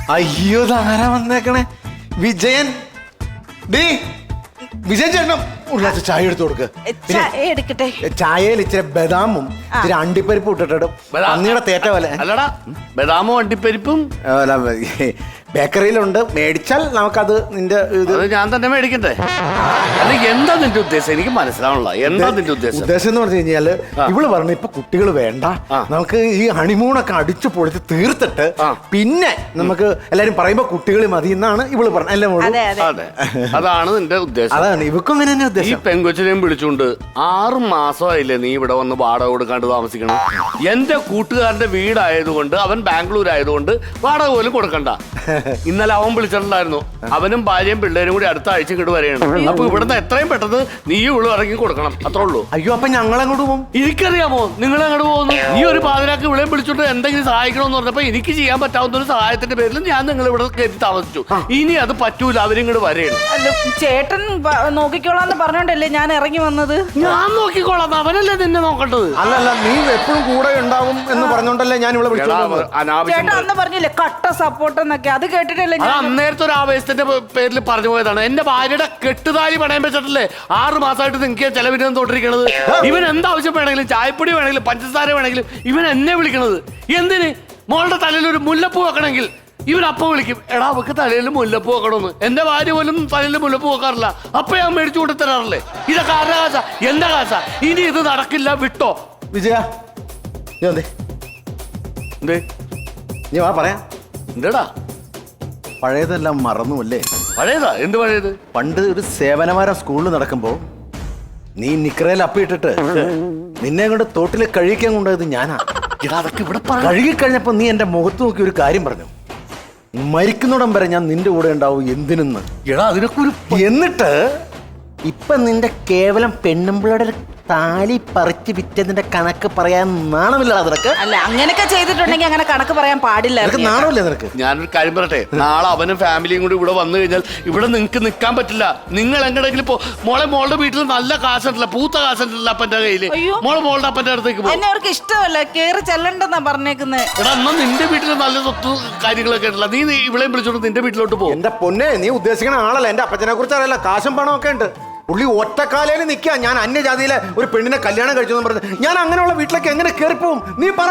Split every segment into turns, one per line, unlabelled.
അയ്യോ താരാ വന്നേക്കണേ വിജയൻ. വിജയൻ ചേട്ടനും ഉള്ള ചായ എടുത്തു കൊടുക്ക്.
എടുക്കട്ടെ.
ചായയിൽ ഇച്ചിരി ബദാമും ഇച്ചിരി അണ്ടിപ്പരിപ്പും ഇട്ടിട്ടും അന്നിയുടെ തേറ്റ പോലെ.
അല്ലടാ ബദാമും അണ്ടിപ്പരിപ്പും
ബേക്കറിയിലുണ്ട്. മേടിച്ചാൽ നമുക്കത് നിന്റെ ഇത്
ഞാൻ തന്നെ മേടിക്കണ്ടേ? അല്ലെങ്കിൽ എന്താ നിന്റെ ഉദ്ദേശം? എനിക്ക് മനസ്സിലാവണല്ലോ. എന്താ നിന്റെ ഉദ്ദേശം?
ഉദ്ദേശം എന്ന് പറഞ്ഞു കഴിഞ്ഞാല് ഇവള് പറഞ്ഞു ഇപ്പൊ കുട്ടികൾ വേണ്ട, നമുക്ക് ഈ ഹണിമൂണൊക്കെ അടിച്ചു പൊളിച്ച് തീർത്തിട്ട് പിന്നെ നമുക്ക് എല്ലാരും പറയുമ്പോ കുട്ടികൾ മതി എന്നാണ് ഇവള് പറഞ്ഞത്. അല്ലേ മോള്?
അതെ, അതാണ് നിന്റെ ഉദ്ദേശം.
അതാണ് ഇവക്കും അങ്ങനെ തന്നെ ഉദ്ദേശം.
ഈ പെങ്കൊച്ചിനെയും വിളിച്ചുകൊണ്ട് 6 മാസമായില്ലേ നീ ഇവിടെ വന്ന് വാടക കൊടുക്കാണ്ട് താമസിക്കണം. എന്റെ കൂട്ടുകാരന്റെ വീടായതുകൊണ്ട്, അവൻ ബാംഗ്ലൂർ ആയതുകൊണ്ട് വാടക പോലും കൊടുക്കണ്ട. ഇന്നലെ അവൻ വിളിച്ചിട്ടുണ്ടായിരുന്നു. അവനും ഭാര്യയും പിള്ളേരും കൂടി അടുത്ത ആഴ്ച ഇങ്ങോട്ട് വരെയാണ്. അപ്പൊ ഇവിടുന്ന് എത്രയും പെട്ടെന്ന് നീ ഇവിടെ ഇറങ്ങി കൊടുക്കണം. അത്രേ ഉള്ളൂ.
അയ്യോ അപ്പൊ ഞങ്ങൾ അങ്ങോട്ട് പോകും.
എനിക്കറിയാമോ നിങ്ങൾ അങ്ങോട്ട് പോകുന്നു. നീ ഒരു പാതിരാക്ക് ഇവിടെ വിളിച്ചോണ്ട് എന്തെങ്കിലും സഹായിക്കണമെന്ന് പറഞ്ഞപ്പോ എനിക്ക് ചെയ്യാൻ പറ്റാവുന്ന ഒരു സഹായത്തിന്റെ പേരിൽ ഞാൻ നിങ്ങൾ ഇവിടെ കയറ്റി താമസിച്ചു. ഇനി അത് പറ്റൂല, അവരിങ്ങോട്ട് വരെയാണ്.
ചേട്ടൻ നോക്കിക്കോളാന്ന് പറഞ്ഞോണ്ടല്ലേ ഞാൻ ഇറങ്ങി വന്നത്.
ഞാൻ നോക്കിക്കോളാം, അവനല്ലേ നിന്നെ നോക്കേണ്ടത്.
അല്ലല്ല, നീ എപ്പോഴും കൂടെ ഉണ്ടാവും എന്ന് പറഞ്ഞോണ്ടല്ലേ ഞാൻ ഇവിടെ വിളിച്ചത്.
ചേട്ടൻ അന്ന് പറഞ്ഞില്ലേ കട്ട സപ്പോർട്ട് എന്നൊക്കെ, അത് കേട്ടിട്ടല്ലേ
അത് അന്നേരത്തെ ഒരു ആവേശത്തിന്റെ പേരിൽ പറഞ്ഞു പോയതാണ്. എന്റെ ഭാര്യയുടെ കെട്ടുതാലി പണയം വെച്ചിട്ടല്ലേ 6 മാസമായിട്ട് നിങ്ങൾക്ക് ചെലവിന് തോട്ടിരിക്കണത്. ഇവൻ എന്താവശ്യം വേണമെങ്കിലും, ചായപ്പൊടി വേണമെങ്കിലും, പഞ്ചസാര വേണമെങ്കിലും ഇവൻ എന്നെ വിളിക്കണത്. എന്തിന്? മോളുടെ തലയിൽ ഒരു മുല്ലപ്പൂ വെക്കണമെങ്കിൽ ഇവൻ അപ്പം വിളിക്കും, എടാ അവക്ക് തലയിൽ മുല്ലപ്പൂ വെക്കണമെന്ന്. എന്റെ ഭാര്യ പോലും തലയിൽ മുല്ലപ്പൂ വെക്കാറില്ല. അപ്പൊ ഞാൻ മേടിച്ചു കൊണ്ട് തരാറില്ലേ? ഇതൊക്കെ ആരുടെ കാശ? എന്റെ കാശ. ഇനി ഇത് നടക്കില്ല, വിട്ടോ.
വിജയ നീ വാ പറയാ.
എന്താടാ
പഴയതെല്ലാം മറന്നുമല്ലേ?
പഴയതാ? എന്ത് പഴയത്?
പണ്ട് ഒരു സേവനവാരം സ്കൂളിൽ നടക്കുമ്പോ നീ നിക്കറയിൽ അപ്പിയിട്ടിട്ട് നിന്നെ കൊണ്ട് തോട്ടിൽ കഴുകിക്കാൻ കൊണ്ടുപോയത് ഞാനാ.
അതൊക്കെ ഇവിടെ
കഴുകിക്കഴിഞ്ഞപ്പോ നീ എന്റെ മുഖത്ത് നോക്കി ഒരു കാര്യം പറഞ്ഞു, മരിക്കുന്നിടം വരെ ഞാൻ നിന്റെ കൂടെ ഉണ്ടാവും എന്തിനെന്ന്.
അതിനൊക്കെ ഒരു
എന്നിട്ട് ഇപ്പൊ നിന്റെ കേവലം പെണ്ണുമ്പിളയുടെ താലി പറിച്ച് വിറ്റതിന്റെ കണക്ക് പറയാൻ നാണമില്ല നിനക്ക്?
അല്ല, അങ്ങനെയൊക്കെ ചെയ്തിട്ടുണ്ടെങ്കിൽ അങ്ങനെ കണക്ക് പറയാൻ പാടില്ല.
നാണമില്ല നിനക്ക്?
ഞാനൊരു കാര്യം പറയട്ടെ, നാളെ അവനും ഫാമിലിയും കൂടി ഇവിടെ വന്നു കഴിഞ്ഞാൽ ഇവിടെ നിങ്ങൾക്ക് നിൽക്കാൻ പറ്റില്ല. നിങ്ങൾ എങ്ങനെയെങ്കിലും മോളുടെ വീട്ടിൽ നല്ല കാശുണ്ടല്ല, പൂത്ത കാശുണ്ടല്ല അപ്പന്റെ കയ്യില്. മോളുടെ അപ്പന്റെ അടുത്തേക്ക് പോകും.
എന്നെ അവർക്ക് ഇഷ്ടമല്ല, കേറി ചെല്ലണ്ടെന്നാ പറഞ്ഞേക്കുന്നത്.
എടാ എന്നാ നിന്റെ വീട്ടിൽ നല്ല സ്വത്ത് കാര്യങ്ങളൊക്കെ ഉണ്ടല്ല, നീ ഇവിളെയും വിളിച്ചോണ്ട് നിന്റെ വീട്ടിലോട്ട് പോകും.
എന്റെ പൊന്നെ, നീ ഉദ്ദേശിക്കുന്ന ആളല്ല. എന്റെ അപ്പച്ചനെ കുറിച്ച് അറിയില്ല, കാശും പണമൊക്കെ ഉണ്ട്. പുള്ളി ഒറ്റക്കാലയിൽ നിൽക്കുക. ഞാൻ അന്യജാതിയിലെ ഒരു പെണ്ണിനെ കല്യാണം കഴിച്ചു എന്ന് പറഞ്ഞു. ഞാൻ അങ്ങനെയുള്ള വീട്ടിലേക്ക് എങ്ങനെ കയറിപ്പോവും? നീ പറ.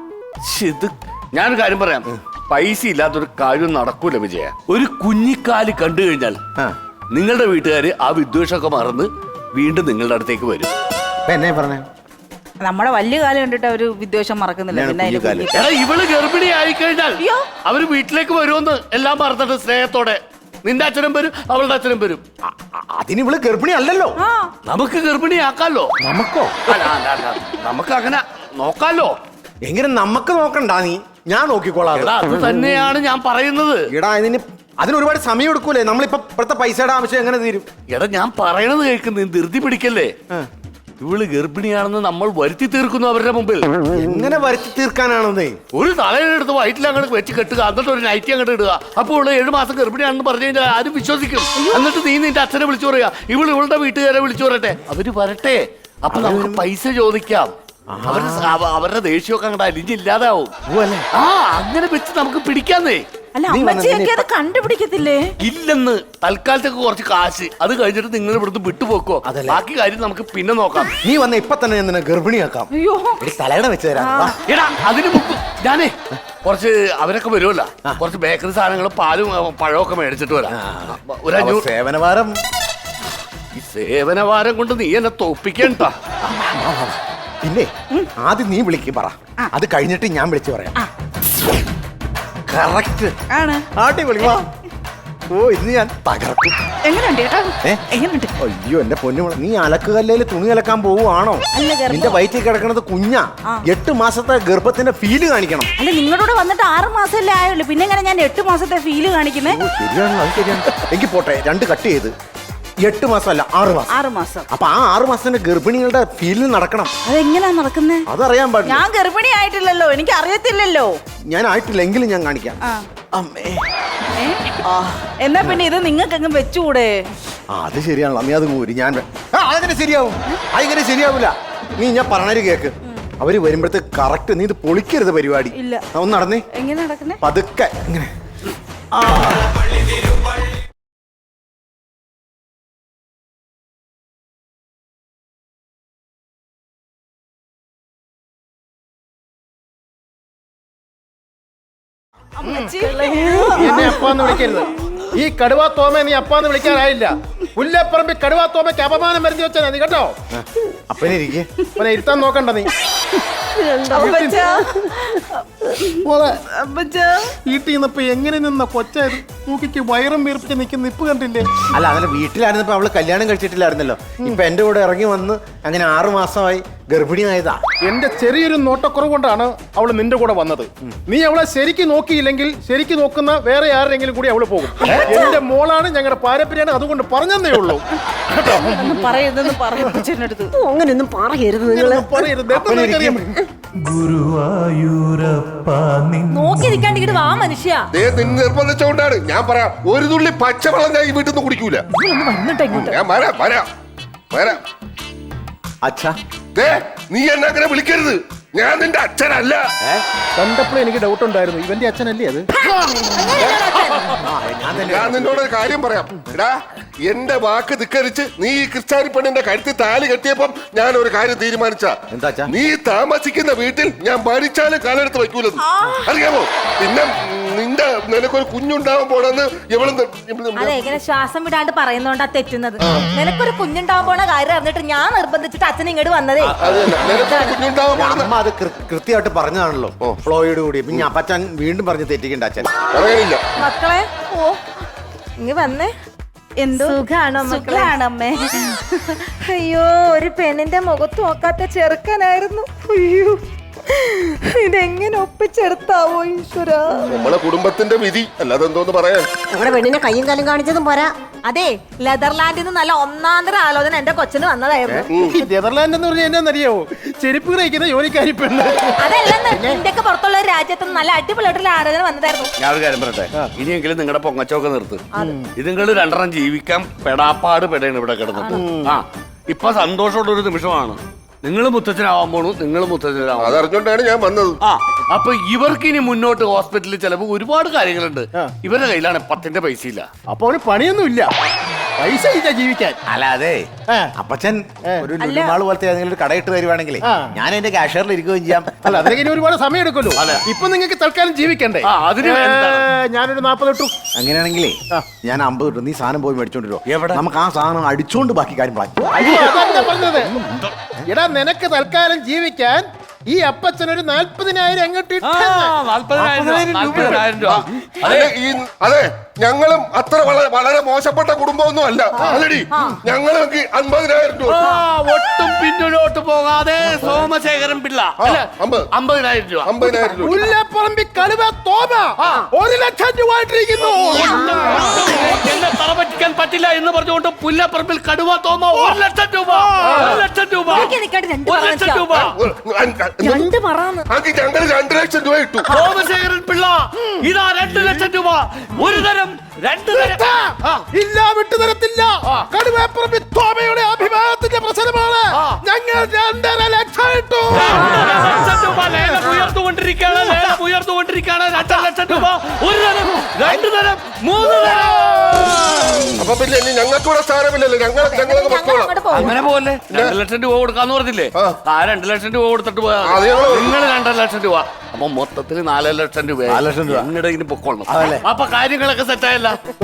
ഞാനൊരു കാര്യം പറയാം, പൈസ ഇല്ലാത്തൊരു കാര്യം നടക്കൂല വിജയ. ഒരു കുഞ്ഞിക്കാല് കണ്ടു കഴിഞ്ഞാൽ നിങ്ങളുടെ വീട്ടുകാര് ആ വിദ്വേഷമൊക്കെ മറന്ന് വീണ്ടും നിങ്ങളുടെ അടുത്തേക്ക് വരും.
എന്നെ പറഞ്ഞേ,
നമ്മുടെ വലിയ കാലം കണ്ടിട്ട് അവര് വിദ്വേഷം മറക്കുന്നില്ല.
എടാ ഇവള് ഗർഭിണി ആയിക്കഴിഞ്ഞാൽ അവര് വീട്ടിലേക്ക് വരുമെന്ന് എല്ലാം മറന്നിട്ട് സ്നേഹത്തോടെ നിന്റെ അച്ഛനും വരും, അവളുടെ അച്ഛനും വരും.
അതിന് ഇവള് ഗർഭിണി അല്ലല്ലോ.
നമുക്ക് ഗർഭിണിയാക്കാലോ.
നമുക്കോ?
നമുക്ക് അങ്ങനെ നോക്കാലോ.
എങ്ങനെ നമുക്ക് നോക്കണ്ട, നീ ഞാൻ നോക്കിക്കോളാം.
അത് തന്നെയാണ് ഞാൻ പറയുന്നത്.
എടാ അതിന് ഒരുപാട് സമയം എടുക്കൂലേ? നമ്മളിപ്പോ ഇപ്പോഴത്തെ പൈസയുടെ ആവശ്യം എങ്ങനെ തീരും?
എടാ ഞാൻ പറയണത് കേൾക്കുന്നു, ധൃതി പിടിക്കല്ലേ. ഇവള് ഗർഭിണിയാണെന്ന് നമ്മൾ വരുത്തി തീർക്കുന്നു അവരുടെ മുമ്പിൽ.
എങ്ങനെ വരുത്തി തീർക്കാനാണെന്നേ?
ഒരു തലയിലെടുത്ത് വയറ്റിൽ അങ്ങോട്ട് വെച്ച് കെട്ടുക, എന്നിട്ട് ഒരു നൈറ്റി അങ്ങോട്ട് ഇടുക. അപ്പോൾ ഇവിടെ 7 മാസം ഗർഭിണിയാണെന്ന് പറഞ്ഞു കഴിഞ്ഞാൽ ആരും വിശ്വസിക്കും. എന്നിട്ട് നീ നിന്റെ അച്ഛനെ വിളിച്ചു പറയാ, ഇവളുടെ വീട്ടുകാരെ വിളിച്ചു പറയട്ടെ, അവര് വരട്ടെ. അപ്പൊ നമുക്ക് പൈസ ചോദിക്കാം. അവരുടെ ദേഷ്യമൊക്കെ അങ്ങോട്ട് അലിഞ്ഞില്ലാതാവും. അങ്ങനെ വെച്ച് നമുക്ക് പിടിക്കാന്നേ.
അല്ല, അമ്മച്ചിയൊക്കെ അത് കണ്ടുപിടിക്കത്തില്ലേ?
ഇല്ലെന്ന്. തൽക്കാലത്തേക്ക് കുറച്ച് കാശ്, അത് കഴിഞ്ഞിട്ട് നിങ്ങൾ ഇവിടുന്ന് വിട്ടുപോക്കോ. ബാക്കി കാര്യം നമുക്ക് പിന്നെ നോക്കാം.
നീ വന്ന ഇപ്പൊ തന്നെ ഞാൻ നിന്നെ ഗർഭിണിയാക്കാം. തലയുടെ വെച്ച് തരാം.
എടാ അതിന് മുമ്പ് ഞാനേ കുറച്ച് അവരൊക്കെ വരുമല്ലോ, കുറച്ച് ബേക്കറി സാധനങ്ങളും പാലും പഴമൊക്കെ മേടിച്ചിട്ട് വരാം.
സേവനവാരം.
ഈ സേവനവാരം കൊണ്ട് നീ എന്നെ തോപ്പിക്കണ്ട.
പിന്നെ ആദ്യം നീ വിളിക്ക് പറ, അത് കഴിഞ്ഞിട്ട് ഞാൻ വിളിച്ചു പറയാം. കറക്റ്റ് ആണ്. അടിപൊളി. വാ. ഓ ഇന്ന് ഞാൻ തകർക്കും.
എങ്ങനെയുണ്ട്?
അയ്യോ എന്റെ പൊന്നു, നീ അലക്കുകല്ലേല് തുണി അലക്കാൻ പോവുകയാണോ? നിന്റെ വയറ്റിൽ കിടക്കണത് കുഞ്ഞാ. 8 മാസത്തെ ഗർഭത്തിന്റെ ഫീല് കാണിക്കണം.
അല്ല, നിങ്ങളോട് വന്നിട്ട് 6 മാസമല്ലേ ആയുള്ളൂ, പിന്നെ എങ്ങനെ ഞാൻ 8 മാസത്തെ ഫീല് കാണിക്കുന്നത്?
ശരിയാണ്, അത് ശരിയാണ്. എങ്കിൽ പോട്ടെ, 2 കട്ട് ചെയ്ത് 8 മാസമല്ല 6 മാസം. അപ്പൊ ആ 6 മാസത്തിന്റെ ഗർഭിണികളുടെ ഫീലിൽ നടക്കണം.
അതെങ്ങനെയാ നടക്കുന്നത്?
അതറിയാൻ പാടില്ല.
ഞാൻ ഗർഭിണി ആയിട്ടില്ലല്ലോ, എനിക്ക് അറിയത്തില്ലല്ലോ.
ഞാൻ ആയിട്ടില്ല, എങ്കിലും ഞാൻ കാണിക്കാം.
എന്നാ പിന്നെ ഇത് നിങ്ങൾക്ക് അങ്ങ് വെച്ചുകൂടെ?
അത് ശരിയാണല്ലോ, നീ അത് മൂരി. ഞാൻ അതെങ്ങനെ ശരിയാവും? അതെങ്ങനെ ശരിയാവൂല. നീ ഞാൻ പറഞ്ഞൊരു കേക്ക്. അവര് വരുമ്പോഴത്തെ കറക്റ്റ് നീ ഇത് പൊളിക്കരുത് പരിപാടി. ഒന്ന് നടന്നേ.
എങ്ങനെ നടക്കുന്നേ?
പതുക്കെ ഇങ്ങനെ
എന്നെ അപ്പാന്ന് വിളിക്കരുത്. ഈ കടുവാ തോമ നീ അപ്പാന്ന് വിളിക്കാനായില്ല. പുല്ലപ്പറമ്പി കടുവാ തോമയ്ക്ക് അപമാനം വരുത്തി വെച്ചാ നീ കേട്ടോ.
അപ്പനിരിക്കെ
അവനെ ഇരുത്താൻ നോക്കണ്ട നീ. വീട്ടിൽ നിന്നപ്പോ എങ്ങനെ നിന്ന കൊച്ചായത് മൂക്കിക്ക് വയറും വീർപ്പിച്ച് നിൽക്കുന്ന നിപ്പ് കണ്ടില്ലേ?
അല്ല അതല്ല, വീട്ടിലായിരുന്നപ്പോ അവള് കല്യാണം കഴിച്ചിട്ടില്ലായിരുന്നല്ലോ. ഇപ്പൊ എന്റെ കൂടെ ഇറങ്ങി വന്ന് അങ്ങനെ 6 മാസമായി ഗർഭിണിയായതാ.
എന്റെ ചെറിയൊരു നോട്ടക്കുറവ് കൊണ്ടാണ് അവള് നിന്റെ കൂടെ വന്നത്. നീ അവളെ ശരിക്ക് നോക്കിയില്ലെങ്കിൽ ശരിക്ക് നോക്കുന്ന വേറെ ആരെങ്കിലും കൂടി അവള് പോകും. എന്റെ മോളാണ്, ഞങ്ങളുടെ പാരമ്പര്യമാണ്, അതുകൊണ്ട് പറഞ്ഞതേ ഉള്ളൂ.
പറയരുതെന്ന് പറഞ്ഞെടുത്ത്
അങ്ങനെയൊന്നും പറയരുത് നിങ്ങള്.
പറയരുത്. എനിക്കറിയാം.
നോക്കി നിൽക്കാണ്ട് ഇങ്ങോട്ട് വാ മനുഷ്യ.
നിർബന്ധിച്ചുകൊണ്ടാണ് ഞാൻ പറയാം. ഒരു തുള്ളി പച്ചവെള്ളം ഞാൻ ഈ വീട്ടിൽ നിന്ന് കുടിക്കൂല. ഞാൻ വരാം.
അച്ഛാ,
നീ എന്നെ അങ്ങനെ വിളിക്കരുത്. ഞാൻ നിന്റെ അച്ഛനല്ല.
കണ്ടപ്പോൾ എനിക്ക് ഡൗട്ട് ഉണ്ടായിരുന്നു, ഇവന്റെ അച്ഛനല്ലേ അത്?
ഞാൻ നിന്നോട് ഒരു കാര്യം പറയാം. എടാ, എന്റെ വാക്ക് ധിക്കരിച്ച് നീ ഈ ക്രിസ്ത്യാനി പെണ്ണിന്റെ കഴുത്തിൽ താലി കെട്ടിയപ്പം ഞാൻ ഒരു കാര്യം തീരുമാനിച്ച.
എന്താ?
നീ താമസിക്കുന്ന വീട്ടിൽ ഞാൻ മരിച്ചാലും കാലെടുത്ത് വയ്ക്കൂലെന്ന് അറിയാമോ? പിന്നെ നിനക്കൊരു കുഞ്ഞുണ്ടാവാൻ പോണെന്ന്
അതെ, ഇങ്ങനെ ശ്വാസം വിടാണ്ട് പറയുന്നോണ്ടാ തെറ്റുന്നത്. നിനക്കൊരു കുഞ്ഞുണ്ടാവാൻ പോണ കാര്യം അറിഞ്ഞിട്ട് ഞാൻ നിർബന്ധിച്ചിട്ട് അച്ഛൻ ഇങ്ങോട്ട് വന്നതേ.
കുഞ്ഞുണ്ടാവാൻ പോണെന്ന്
അമ്മ അത് കൃത്യമായിട്ട് പറഞ്ഞതാണല്ലോ, ഫ്ലോയോട് കൂടി. പിന്നെ അപ്പച്ചൻ വീണ്ടും പറഞ്ഞ് തെറ്റിക്കണ്ട അച്ഛൻ.
പറയാനില്ല.
മക്കളെ, ഓ ഇങ്ങ് വന്നേ. എന്തോ സുഖാണോ അമ്മേ? അയ്യോ, ഒരു പെണ്ണിന്റെ മുഖത്ത് നോക്കാത്ത ചെറുക്കനായിരുന്നു. അയ്യോ, ഇതെങ്ങനെ ഒപ്പിച്ചെടുത്താവോ ഈശ്വര.
നമ്മളെ കുടുംബത്തിന്റെ വിധി, അല്ലാതെ എന്തോന്ന് പറയാൻ.
നമ്മുടെ പെണ്ണിനെ കയ്യും കാലും കാണിച്ചതും പോരാ.
അതെ, നെതർലാൻഡിൽ നിന്ന് നല്ല ഒന്നാന്തര ആലോചന എന്റെ കൊച്ചിന് വന്നതായിരുന്നു.
ഈ നെതർലാൻഡ് എന്ന് പറഞ്ഞാൽ എന്നാന്നറിയാവോ? ചെരുപ്പ് കഴിക്കുന്ന ജോലിക്കാരി പെണ്ണ്.
അതല്ലെന്ന്, ഇന്ത്യക്ക് പുറത്തുള്ള ഒരു രാജ്യത്ത് നിന്ന് നല്ല അടിപൊളിയായിട്ടുള്ള ആലോചന വന്നതായിരുന്നു.
ഞാൻ ഒരു കാര്യം പറയട്ടെ, ഇനിയെങ്കിലും നിങ്ങളുടെ പൊങ്ങച്ചൊക്കെ നിർത്ത്. ഇതുങ്ങൾ രണ്ടെണ്ണം ജീവിക്കാൻ പെടാപ്പാട് പെടയാണ് ഇവിടെ കിടന്നിട്ട്. ഇപ്പൊ സന്തോഷമുള്ള ഒരു നിമിഷമാണ്. നിങ്ങൾ മുത്തച്ഛനാവാൻ പോണു, നിങ്ങൾ മുത്തച്ഛനാവാൻ.
അതറിഞ്ഞോണ്ടാണ് ഞാൻ വന്നത്.
അപ്പൊ ഇവർക്ക് ഇനി മുന്നോട്ട് ഹോസ്പിറ്റലിൽ ചിലപ്പോൾ ഒരുപാട് കാര്യങ്ങളുണ്ട്. ഇവരുടെ കയ്യിലാണ് 10 പൈസ ഇല്ല.
അപ്പൊ അവന് പണിയൊന്നും ഇല്ല, പൈസ ഇല്ല ജീവിക്കാൻ.
അല്ല അതെ, അപ്പച്ചൻ ഒരു ലുലുമാള് പോലത്തെ ഏതെങ്കിലും ഒരു കടയിട്ട് വരുവാണെങ്കിൽ ഞാൻ എന്റെ കാഷ്യറിൽ ഇരിക്കുകയും ചെയ്യാം.
അല്ല, അതിലേക്ക് ഇനി ഒരുപാട് സമയം എടുക്കുമല്ലോ. ഇപ്പൊ നിങ്ങൾക്ക് തൽക്കാലം ജീവിക്കണ്ടേ?
അതിന്
ഞാനൊരു 40 ഇട്ടു.
അങ്ങനെയാണെങ്കിലേ ഞാൻ 50 കിട്ടും. നീ സാധനം പോയി മേടിച്ചോണ്ടിരോ. എവിടെ നമുക്ക് ആ സാധനം അടിച്ചോണ്ട് ബാക്കി കാര്യം
പറഞ്ഞത്. എടാ, നിനക്ക് തൽക്കാലം ജീവിക്കാൻ ഈ അപ്പച്ചനൊരു 40,000 അങ്ങോട്ട്
അതെ, ഞങ്ങളും അത്ര വളരെ മോശപ്പെട്ട കുടുംബമൊന്നും അല്ല. അല്ലടി, ഞങ്ങൾക്ക് 50,000 രൂപ.
ഒട്ടും പിന്നിലോട്ട് പോകാതെ സോമശേഖരൻ പിള്ള 50,000 രൂപ.
50,000 രൂപ.
പുല്ലപ്പറമ്പി കടുവ തോമ 1,00,000 രൂപ ആയിട്ടിരിക്കുന്നു.
എന്നെ തറപറ്റിക്കാൻ പറ്റില്ല എന്ന് പറഞ്ഞുകൊണ്ട് പുല്ലപ്പറമ്പിൽ കടുവ തോമ 1,00,000 രൂപ. 1,00,000 രൂപ. 1,00,000 രൂപ.
ഞങ്ങൾ 2 ലക്ഷം രൂപ ഇട്ടു.
സോമശേഖരൻ പിള്ള ഇതാ 2 ലക്ഷം രൂപ. ഒരു തരം 2 തരം
ഇല്ല, വിട്ടുതരത്തില്ല. കടുവപ്പറമ്പി തോമയുടെ അഭിമാനത്തിന്റെ പ്രശ്നമാണ്. ഞങ്ങൾ 2.5 ലക്ഷം ഇട്ടു.
2 ലക്ഷം രൂപ ലേലം ഉയർത്തുകൊണ്ടിരിക്കുകയാണ്. 2 ലക്ഷം രൂപ. ഒരു തരം, 2 തരം, 3 തരം.
അപ്പൊ പിന്നെ ഞങ്ങൾക്ക് ഇവിടെ സ്ഥാനമില്ലല്ലോ. ഞങ്ങളൊക്കെ പൊക്കോളാം.
അങ്ങനെ പോലെ 2 ലക്ഷം രൂപ കൊടുക്കാന്ന് പറഞ്ഞില്ലേ? 2 ലക്ഷം രൂപ കൊടുത്തിട്ട് പോയാ നിങ്ങൾ 2 ലക്ഷം രൂപ. അപ്പൊ മൊത്തത്തിൽ 4 ലക്ഷം രൂപ.
4 ലക്ഷം രൂപ
എങ്ങടെ ഇനി പൊക്കോളണം. അപ്പൊ കാര്യങ്ങളൊക്കെ സെറ്റായല്ല.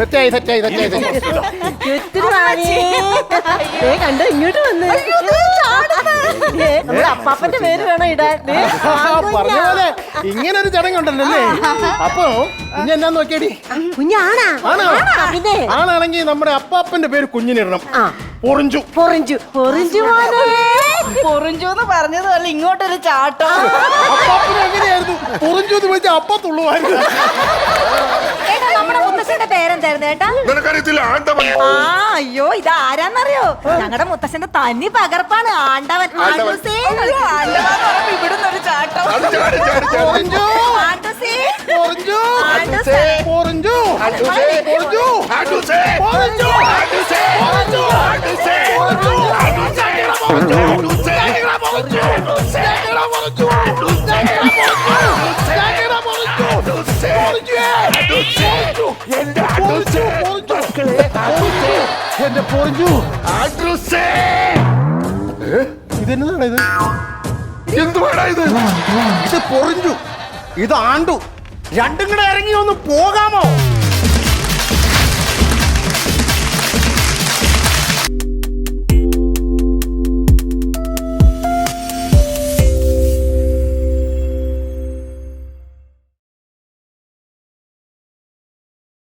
കണ്ടോ, ഇങ്ങോട്ട് വന്ന് നമ്മുടെ അപ്പാപ്പന്റെ പേര് വേണം ഇടാൻ.
പറഞ്ഞ പോലെ ഇങ്ങനെ ഒരു ചടങ്ങുണ്ടല്ലോ അല്ലേ? അപ്പൊ കുഞ്ഞ് എന്നാ നോക്കിയടി,
കുഞ്ഞാണാ? പിന്നെ
ആണാണെങ്കിൽ നമ്മുടെ അപ്പാപ്പന്റെ പേര് കുഞ്ഞിനിടണം. പൊറിഞ്ചു.
പൊറിഞ്ചു പൊറിഞ്ചു
പൊറിഞ്ചു എന്ന് പറഞ്ഞതല്ല, ഇങ്ങോട്ടൊരു ചാട്ടം.
അപ്പാപ്പന് എങ്ങനെയായിരുന്നു പൊറിഞ്ചു എന്ന് വിളിച്ച അപ്പ തുള്ളുവായിരുന്നു.
നമ്മുടെ മുത്തശ്ശന്റെ പേരെന്തായിരുന്നു ഏട്ടാ?
നിനക്കറിയത്തില്ല, ആണ്ടവൻ.
അയ്യോ, ഇത് ആരാന്നറിയോ? ഞങ്ങളുടെ മുത്തശ്ശന്റെ തനി പകർപ്പാണ് ആണ്ടവൻ. ഇവിടുന്ന് ഒരു ചാട്ടം.
പൊറിഞ്ചു
ആണ്ടസേ.
പൊറിഞ്ചു
ആണ്ടസേ.
പൊറിഞ്ചു
പൊറിഞ്ചു. ആണ്ടൂസേ.
പൊറിഞ്ചു
ആണ്ടൂസേ.
പൊറിഞ്ചു
ആണ്ടൂസേ. ആണ്ടൂസേ.
പൊറിഞ്ചു എന്റെ പൊറിഞ്ഞു
ആൻഡ്രൂസേ!
ഇതെന്നതാണ് ഇത്?
എന്തുവാടാ ഇത്?
ഇത് പൊറിഞ്ഞു, ഇത് ആണ്ടു, രണ്ടും കൂടെ ഇറങ്ങി ഒന്ന് പോകാൻ